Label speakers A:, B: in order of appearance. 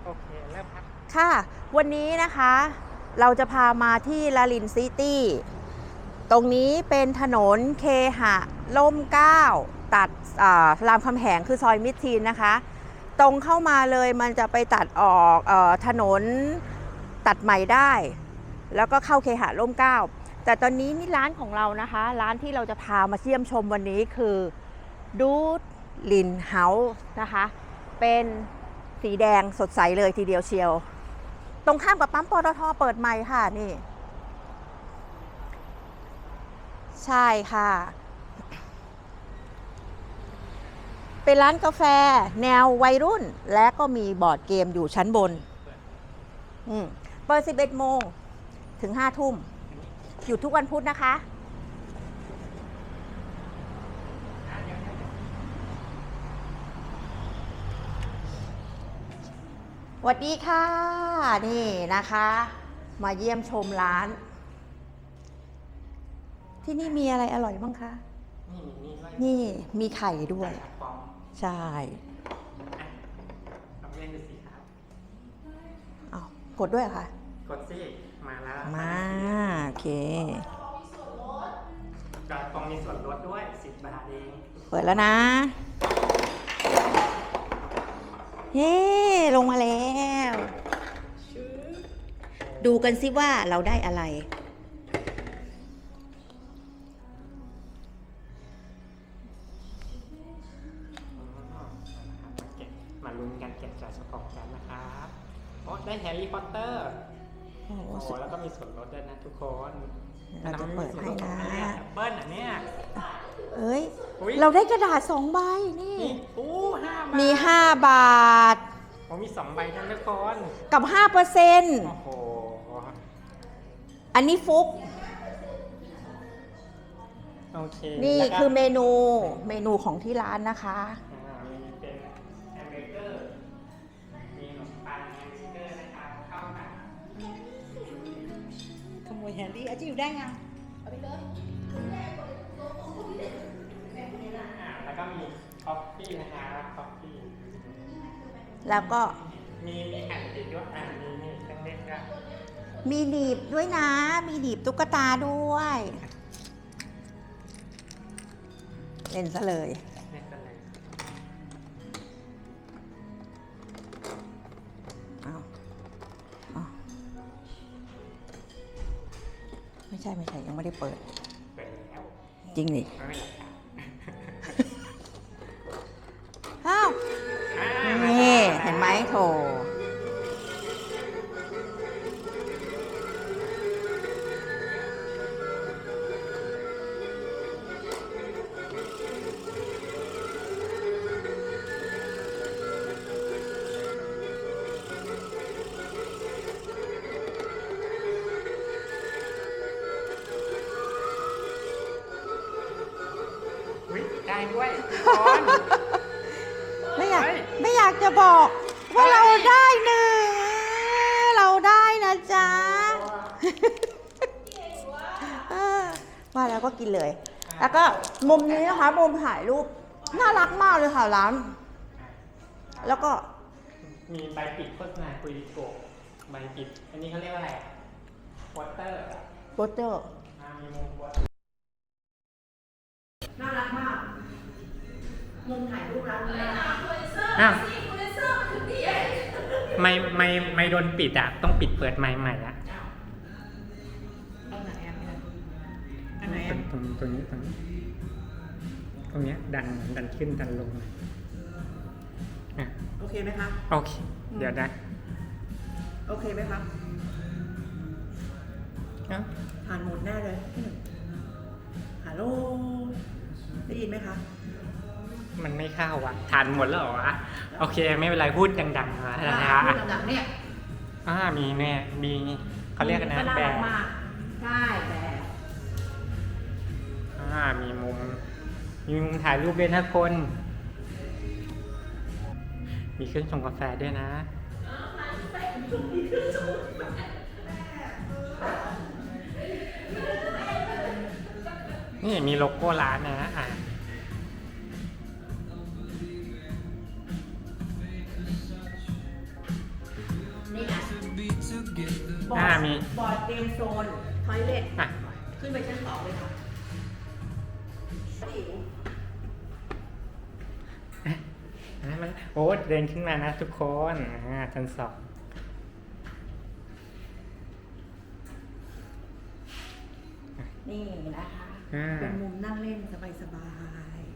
A: โอเคเริ่มครับ
B: ค่ะวันนี้นะคะเราจะพามาที่ลาลินซิตี้ตรงนี้เป็นถนนเคหะร่มเกล้าตัดรามคำแหงคือซอยมิตรทีนนะคะตรงเข้ามาเลยมันจะไปตัดออกถนนตัดใหม่ได้แล้วก็เข้าเคหะร่มเกล้าแต่ตอนนี้นี่ร้านของเรานะคะร้านที่เราจะพามาเยี่ยมชมวันนี้คือดูดลินเฮาส์นะคะเป็นสีแดงสดใสเลยทีเดียวเชียวตรงข้ามกับปั๊มปตทเปิดใหม่ค่ะนี่ใช่ค่ะเป็นร้านกาแฟแนววัยรุ่นและก็มีบอร์ดเกมอยู่ชั้นบนเปิด 11 โมงถึง 5 ทุ่มอยู่ทุกวันพุธนะคะสวัสดีค่ะนี่นะคะมาเยี่ยมชมร้านที่นี่มีอะไรอร่อยบ้างคะนี่มีไข่ด้วยใช่
A: ลองเล่นดูสิครับ
B: เอากดด้วยเหรอคะ
A: กดสิมาแล้ว
B: มาโอเค
A: กระป๋องมีส่วนลดด้วย10 บาทเอง
B: เปิดแล้วนะเย้ลงมาแล้วดูกันสิว่าเราได้อะไร
A: มาลุ้นกันเก็บจ่ายสปองกันนะครับโอ้ได้แฮร์รี่พอตเตอร์โอ้แล้วก็มีส่วนลดด้วยนะทุกคน
B: เราจะเปิดให้นะ
A: เบิ้ลอันเนี้ย
B: เอ้ยเราได้กระดาษ2 ใบนี่
A: 5 บาท
B: มี5 บาท
A: มี2 ใบนะทุกคน
B: กับ 5%
A: โอ้โห
B: อันนี้ฟุก
A: โอเค
B: นี่คือเมนูของที่ร้านนะคะ
A: มีเป็นแฮมเบอร์เกอร์มีขนมปังแฮมเบอร์เกอร์นะครับเข้ากัน
B: ขโมยแฮนดี้อาจิวได้ยังเอาไปเลย
A: แล้วก็มีคอฟฟี่นะครับคอฟฟี่
B: แล้วก็
A: มีแผ่นติดด้วยมีเครื่องเล่นด้วย
B: มีหนีบด้วยนะมีหนีบตุ๊กตาด้วยเล่นซะเลยไม่ใช่ยังไม่ได้เปิด
A: แล้ว
B: จริงดิอ้าวนี่เห็นไหมโถ
A: ได้ด้วย
B: ไม่อยากจะบอกว่าเราได้เราได้นะจ๊ะมาแล้วก็กินเลยแล้วก็มุมนี้นะคะมุมถ่ายรูปน่ารักมากเลยค่ะร้านแล้วก็
A: มีใบปิดโฆษณาคุยโกะใบปิดอันนี้เขาเรียกว่าอะไรโปสเตอร์มีมุมโปสเตอร์
B: น่ารักมากมุมถ่ายรูปร้านนี้
A: ไม่โดนปิดอ่ะต้องปิดเปิดใหม่อ่ะ
B: อันไหน
A: ตรงนี้ดันขึ้นดันลง
B: โอเคไหมคะ
A: โอเคเดี๋ยวนะ
B: โอเคไหมคะผ่านหมดแน่เลยฮัลโหลได้ยินไหมคะ
A: มันไม่เข้าว่ะทานหมดแล้วเหรอวะโอเคไม่เป็นไรพูดดังๆนะฮะ
B: พูดดังๆเนี่ย
A: มีเนี่ยมีเขาเรียกกันนะแบร์
B: ใช่แบร์
A: มีมุมถ่ายรูปด้วยนะคนมีเครื่องชงกาแฟด้วยนะนี่มีโลโก้ร้านนะ
B: บอ
A: อ่า
B: ร์ด
A: มี
B: บอร์ดเกมโซนทอยเล็ต
A: อ่ะ
B: ขึ้นไปชั้น 2เลยค่ะอิ๋ว
A: มันโอ้เดินขึ้นมานะทุกคนชั้น 2
B: นี่นะคะ
A: อ่า
B: เป็นมุมนั่งเล่นสบาย